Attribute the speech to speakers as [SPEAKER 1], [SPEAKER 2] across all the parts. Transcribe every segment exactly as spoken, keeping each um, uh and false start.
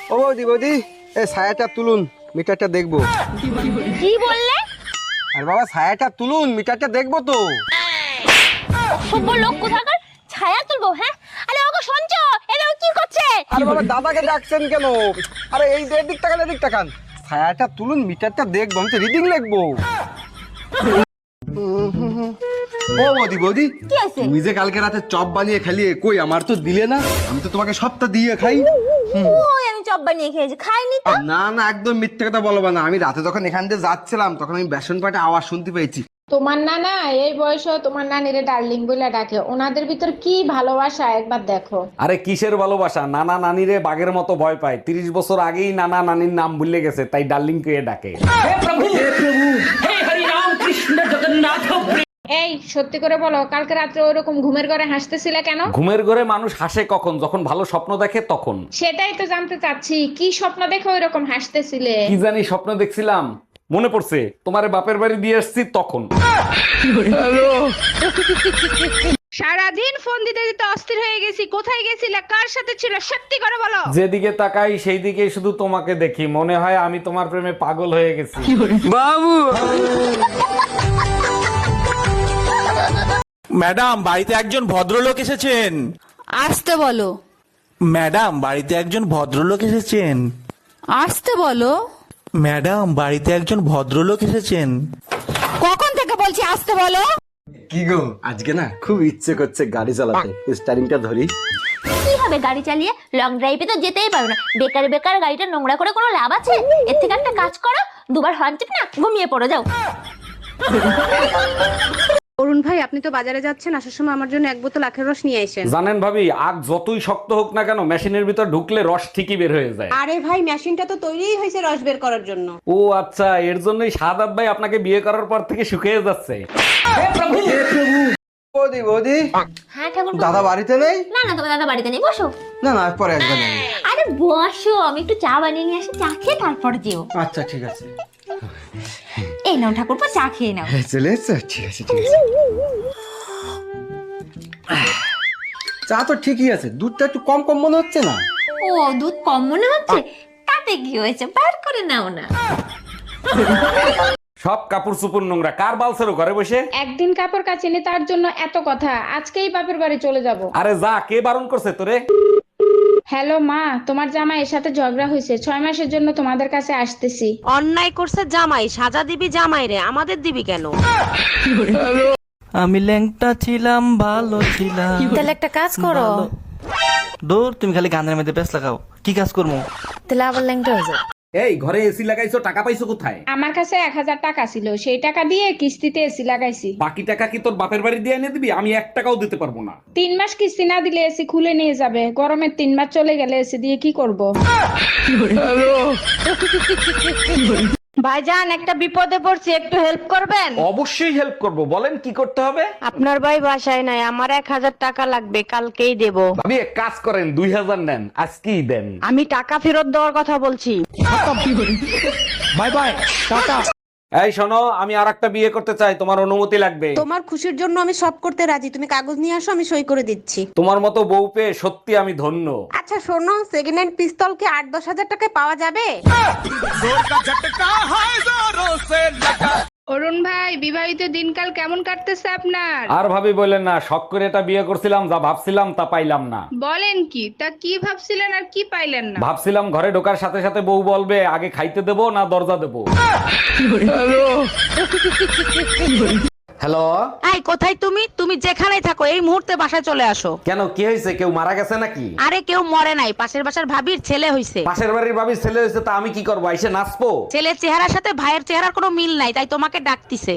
[SPEAKER 1] ও বৌদি বৌদি এই ছায়াটা তুলুন, মিটারটা দেখবো।
[SPEAKER 2] কি বললে?
[SPEAKER 1] আর বাবা ছায়াটা তুলুন, মিটারটা দেখবো তো।
[SPEAKER 2] অসভ্য লোক কোথাকার, ছায়া তুলবো? হ্যাঁ, আরে ওগো শুনছো, এরা কি করছে?
[SPEAKER 1] আরে বাবা দাদাকে ডাকছেন কেন? আরে এই দিক তাকান, এদিক তাকান। ছায়াটা তুলুন, মিটারটা দেখবো, আমি তো রিডিং লিখবো। ও বৌদি বৌদি,
[SPEAKER 2] কি আছে?
[SPEAKER 1] তুমি যে কালকে রাতে চপ বানিয়ে খালিয়ে, কই আমার তো দিলে না। আমি তো তোমাকে সবটা দিয়ে খাই।
[SPEAKER 2] ওই আমি চপ বানিয়ে খেয়েছি, খাইনি তো।
[SPEAKER 1] না না, একদম মিথ্যে কথা বলবো না। আমি রাতে যখন এখান দিয়ে যাচ্ছিলাম তখন আমি বেসন পাটে আওয়াজ শুনতে পেয়েছি।
[SPEAKER 3] তোমার নানা এই বয়সে তোমার নানিরে ডার্লিং বলে ডাকে, ওনাদের ভিতর কি ভালোবাসা একবার দেখো।
[SPEAKER 4] আরে কিসের ভালোবাসা, নানা নানিরে বাঘের মতো ভয় পায়। তিরিশ বছর আগেই নানা নানির নাম ভুলে গেছে, তাই ডার্লিং কে ডাকে।
[SPEAKER 3] এই সত্যি করে বলো, কালকে রাত্রে ওরকম ঘুমের ঘরে হাসতেছিলে কেন?
[SPEAKER 4] ঘুমের ঘরে মানুষ হাসে কখন? যখন ভালো স্বপ্ন দেখে তখন।
[SPEAKER 3] সেটাই তো জানতে চাচ্ছি, কি স্বপ্ন দেখে ওইরকম হাসতেছিলে?
[SPEAKER 4] কি জানি স্বপ্ন দেখছিলাম, মনে পড়ছে তোমারে বাপের বাড়ি দিয়ে আসছি তখন।
[SPEAKER 3] সারাদিন ফোন দিতে দিতে অস্থির হয়ে গেছি, কোথায় গেছিলে, কার সাথে ছিল, সত্যি করে বলো।
[SPEAKER 4] যেদিকে তাকাই সেই দিকে শুধু তোমাকে দেখি, মনে হয় আমি তোমার প্রেমে পাগল হয়ে গেছি।
[SPEAKER 1] বাবু
[SPEAKER 5] ম্যাডাম, বাড়িতে একজন ভদ্রলোক এসেছেন।
[SPEAKER 6] আসতে বলো।
[SPEAKER 5] ম্যাডাম, বাড়িতে একজন ভদ্রলোক এসেছেন।
[SPEAKER 6] আসতে বলো।
[SPEAKER 5] ম্যাডাম, বাড়িতে একজন ভদ্রলোক এসেছেন।
[SPEAKER 6] কখন থেকে বলছি আসতে বলো?
[SPEAKER 1] কি গো, আজকে না খুব ইচ্ছে করছে গাড়ি চালাতে। স্টারিংটা ধরি।
[SPEAKER 2] কি হবে গাড়ি চালিয়ে? লং ড্রাইভে তো যেতেই পারো না। বেকার বেকার গাড়িটা নোংরা করে কোনো লাভ আছে? এর থেকে একটা কাজ করো, দুবার হর্ন টিপ না ঘুমিয়ে পড়ো, যাও।
[SPEAKER 7] অরুণ ভাই, আপনি তো বাজারে যাচ্ছেন, আসার সময় আমার জন্য এক বোতল আখের রস নিয়ে আসেন।
[SPEAKER 4] জানেন ভাবি, আগ যতই শক্ত হোক না কেন, মেশিনের ভিতর ঢুকলে রস ঠিকই বের হয়ে যায়।
[SPEAKER 7] আরে ভাই, মেশিনটা তো তৈরিই হয়েছে রস বের করার জন্য।
[SPEAKER 4] ও আচ্ছা, এর জন্যই সাদাব ভাই আপনাকে বিয়ে করার পর থেকে শুকিয়ে যাচ্ছে।
[SPEAKER 1] বৌদি বৌদি,
[SPEAKER 2] হ্যাঁ ঠাকুর।
[SPEAKER 1] দাদা বাড়িতে নেই?
[SPEAKER 2] না না, তোমার দাদা বাড়িতে নেই, বসো।
[SPEAKER 1] না না, পরে একবার যাবো।
[SPEAKER 2] আরে বসো, আমি একটু চা বানিয়ে নিয়ে আসি, চা খেয়ে তারপর যেও।
[SPEAKER 1] আচ্ছা ঠিক আছে।
[SPEAKER 2] এই নাও ঠাকুরপো, চা খেয়ে নাও।
[SPEAKER 1] চলে এসছো? ঠিক আছে ঠিক আছে। চা তো ঠিকই আছে, দুধটা একটু কম কম মনে হচ্ছে না?
[SPEAKER 2] ও, দুধ কম মনে হচ্ছে? তাতে কি হয়েছে, বার করে নাও না।
[SPEAKER 4] সব কাপড় চুপুর নোংরা, কার বালছেরো ঘরে বসে?
[SPEAKER 3] একদিন কাপড় কাচিনি তার জন্য এত কথা, আজকেই বাপের বাড়ি চলে যাব।
[SPEAKER 4] আরে যা, কে বারণ করছে তোরে?
[SPEAKER 3] হ্যালো মা, তোমার জামাই এর সাথে ঝগড়া হয়েছে, ছয় মাসের জন্য তোমাদের কাছে আসতেছি।
[SPEAKER 7] অন্যায় করছে জামাই, সাজা দিবি জামাই রে, আমাদের দিবি কেন?
[SPEAKER 8] আমি ল্যাংটা ছিলাম, ভালো ছিলাম।
[SPEAKER 6] তাহলে একটা কাজ করো।
[SPEAKER 8] দূর, তুমি খালি গানের মধ্যে ব্যস্ত লাগাও। কি কাজ করবো?
[SPEAKER 6] তাহলে আবার ল্যাংটা হয়ে যাও।
[SPEAKER 4] এই ঘরে এসি লাগাইছো, টাকা পাইছো কোথায়?
[SPEAKER 3] আমার কাছে এক হাজার টাকা ছিল, সেই টাকা দিয়ে কিস্তিতে এসি লাগাইছি।
[SPEAKER 4] বাকি টাকা কি তোর বাপের বাড়ি দিয়ে এনে দিবি? আমি এক টাকাও দিতে পারবো না।
[SPEAKER 3] তিন মাস কিস্তি না দিলে এসি খুলে নিয়ে যাবে, গরমের তিন মাস চলে গেলে এসি দিয়ে কি করব?
[SPEAKER 7] ভাইজান, একটা বিপদে পড়ছি, একটু হেল্প করবেন?
[SPEAKER 4] অবশ্যই হেল্প করব, বলেন কি করতে হবে?
[SPEAKER 7] আপনার ভাই বাসায় নাই, আমার এক হাজার টাকা লাগবে, কালকেই দেব।
[SPEAKER 4] ভাবি এক কাজ করেন, দুই হাজার নেন, আজকেই দেন।
[SPEAKER 7] আমি টাকা ফেরত দেওয়ার কথা বলছি।
[SPEAKER 8] Bye bye, tata.
[SPEAKER 4] এই শোনো, আমি আর একটা বিয়ে করতে চাই, তোমার অনুমতি লাগবে।
[SPEAKER 7] তোমার খুশির জন্য আমি সব করতে রাজি, তুমি কাগজ নিয়ে আসো, আমি সই করে দিচ্ছি।
[SPEAKER 4] তোমার মতো বউ পেয়ে সত্যি আমি ধন্য।
[SPEAKER 7] আচ্ছা শোনো, সেকেন্ড হ্যান্ড পিস্তল কি আট দশ হাজার টাকায় পাওয়া যাবে?
[SPEAKER 3] অরুণ ভাই, বিবাহিত দিনকাল কেমন কাটতেছে আপনার?
[SPEAKER 4] আর ভাবি বললেন না, শখ করে এটা বিয়ে করছিলাম, যা ভাবছিলাম তা পাইলাম না।
[SPEAKER 3] বলেন কি, তা কি ভাবছিলেন আর কি পাইলেন না?
[SPEAKER 4] ভাবছিলাম ঘরে ঢোকার সাথে সাথে বউ বলবে আগে খাইতে দেবো না দরজা দেবো। হ্যালো,
[SPEAKER 7] এই কোথায় তুমি? তুমি যেখানেই থাকো এই মুহূর্তে বাসায় চলে আসো।
[SPEAKER 4] কেন, কি হয়েছে? কেউ মারা গেছে নাকি?
[SPEAKER 7] আরে কেউ মরে নাই, পাশের বাসার ভাবির ছেলে হইছে।
[SPEAKER 4] পাশের বাড়ির ভাবির ছেলে হয়েছে, তা আমি কি করবো? এসে নাচবো?
[SPEAKER 7] ছেলের চেহারার সাথে ভাইয়ের চেহারার কোনো মিল নাই, তাই তোমাকে ডাকতিছে।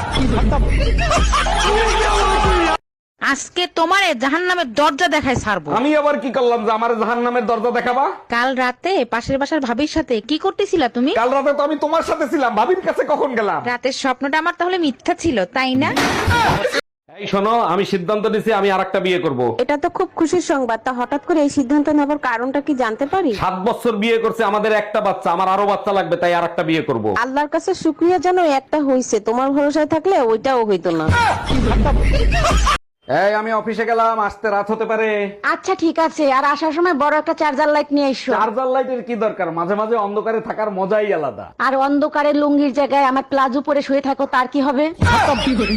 [SPEAKER 7] আজকে তোমারে জাহান্নামের দরজা দেখায় ছাড়বো।
[SPEAKER 4] আমি আবার কি করলাম যে আমার জাহান্নামের দরজা দেখাবা?
[SPEAKER 7] কাল রাতে পাশের বাসার ভাবির সাথে কি করতেছিলা তুমি?
[SPEAKER 4] কাল রাতে তো আমি তোমার সাথে ছিলাম, ভাবির কাছে কখন গেলাম?
[SPEAKER 7] রাতের স্বপ্নটা আমার তাহলে মিথ্যা ছিল, তাই না?
[SPEAKER 4] এই শোনো, আমি সিদ্ধান্ত নিছি আমি আরেকটা বিয়ে করব।
[SPEAKER 7] এটা তো খুব খুশির সংবাদ, তা হঠাৎ করে এই সিদ্ধান্ত নেবার কারণটা কি জানতে পারি?
[SPEAKER 4] সাত বছর বিয়ে করছে, আমাদের একটা বাচ্চা, আমার আরো বাচ্চা লাগবে, তাই আরেকটা বিয়ে করব।
[SPEAKER 7] আল্লাহর কাছে শুকরিয়া জানো একটা হইছে, তোমার ভরসায় থাকলে ওইটাও হইতো না।
[SPEAKER 4] এই আমি অফিসে গেলাম, আসতে রাত হতে পারে।
[SPEAKER 6] আচ্ছা ঠিক আছে, আর আসার সময় বড় একটা চার্জার লাইট নিয়ে এসো।
[SPEAKER 4] চার্জার লাইটের কি দরকার, মাঝে মাঝে অন্ধকারে থাকার মজাই আলাদা।
[SPEAKER 6] আর অন্ধকারে লুঙ্গির জায়গায় আমার প্লাজো পরে শুয়ে থাকো, তার কি হবে?